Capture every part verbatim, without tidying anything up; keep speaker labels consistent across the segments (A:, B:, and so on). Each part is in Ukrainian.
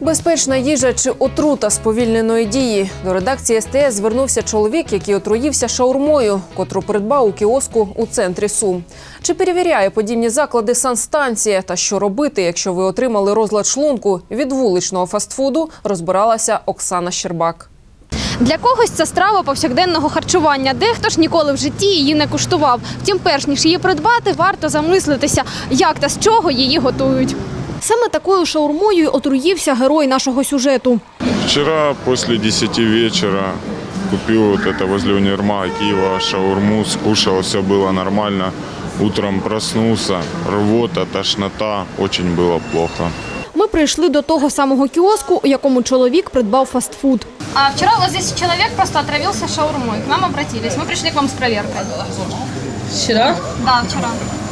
A: Безпечна їжа чи отрута сповільненої дії? До редакції ес те ес звернувся чоловік, який отруївся шаурмою, котру придбав у кіоску у центрі Сум. Чи перевіряє подібні заклади санстанція? Та що робити, якщо ви отримали розлад шлунку від вуличного фастфуду, розбиралася Оксана Щербак.
B: Для когось це страва повсякденного харчування. Дехто ж ніколи в житті її не куштував. Втім, перш ніж її придбати, варто замислитися, як та з чого її готують. Саме такою шаурмою отруївся герой нашого сюжету.
C: Вчера после десяти вечера купил вот это возле универмага Киева шаурму, скушал, все было нормально. Утром проснулся, рвота, тошнота, очень было плохо.
B: Ми прийшли до того самого кіоску, у якому чоловік придбав фастфуд.
D: А вчера вот здесь человек просто отравился шаурмой. К нам обратились. Мы пришли к вам с проверкой.
E: Вчера?
D: Да, вчера.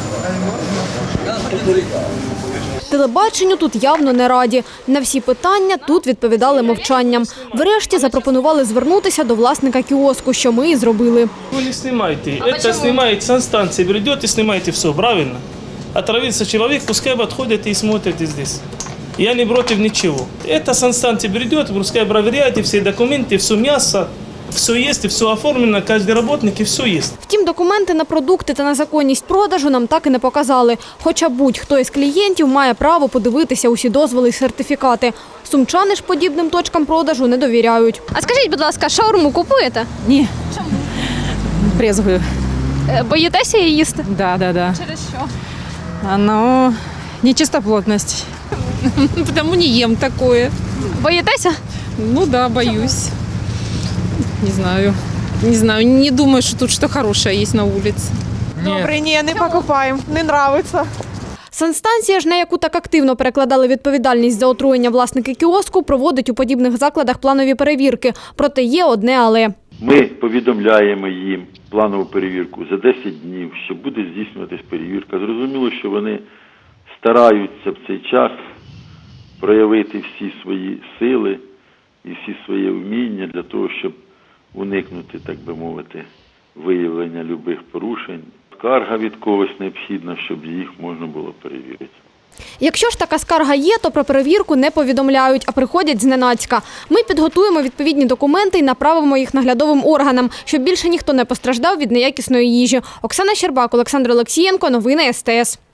B: Телебаченню тут явно не раді. На всі питання тут відповідали мовчанням. Врешті запропонували звернутися до власника кіоску, що ми і зробили.
F: Вы не снимайте. А Это почему? Снимает санстанция. Придет и снимайте все, правильно? Отравился человек, пускай подходит и смотрите здесь. Я не против ничего. Это санстанция придет, пускай проверяйте все документы, все мясо, все есть, все оформлено, каждый работник и все есть.
B: Втім, документи на продукти та на законність продажу нам так і не показали. Хоча будь-хто із клієнтів має право подивитися усі дозволи і сертифікати. Сумчани ж подібним точкам продажу не довіряють.
D: А скажіть, будь ласка, шаурму купуєте?
E: Ні. Чому? Брезгую.
D: Е, Боїтеся її їсти?
E: Да, да, да.
D: Через що?
E: Оно нечистоплотность. Потому не ем такое.
D: Боїтеся?
E: Ну да, боюсь. Не знаю. Не знаю, не думаю, что тут что хорошее есть на улице.
G: Добре, ні, не покупаємо, не нравиться.
B: Санстанція ж, на яку так активно перекладали відповідальність за отруєння власники кіоску, проводить у подібних закладах планові перевірки. Проте є одне «але».
H: Ми повідомляємо їм планову перевірку за десять днів, що буде здійснюватись перевірка. Зрозуміло, що вони стараються в цей час проявити всі свої сили і всі свої вміння для того, щоб уникнути, так би мовити, виявлення любих порушень. Скарга від когось необхідна, щоб їх можна було перевірити.
B: Якщо ж така скарга є, то про перевірку не повідомляють, а приходять зненацька. Ми підготуємо відповідні документи і направимо їх наглядовим органам, щоб більше ніхто не постраждав від неякісної їжі. Оксана Щербак, Олександр Олексієнко, новини ес те ес.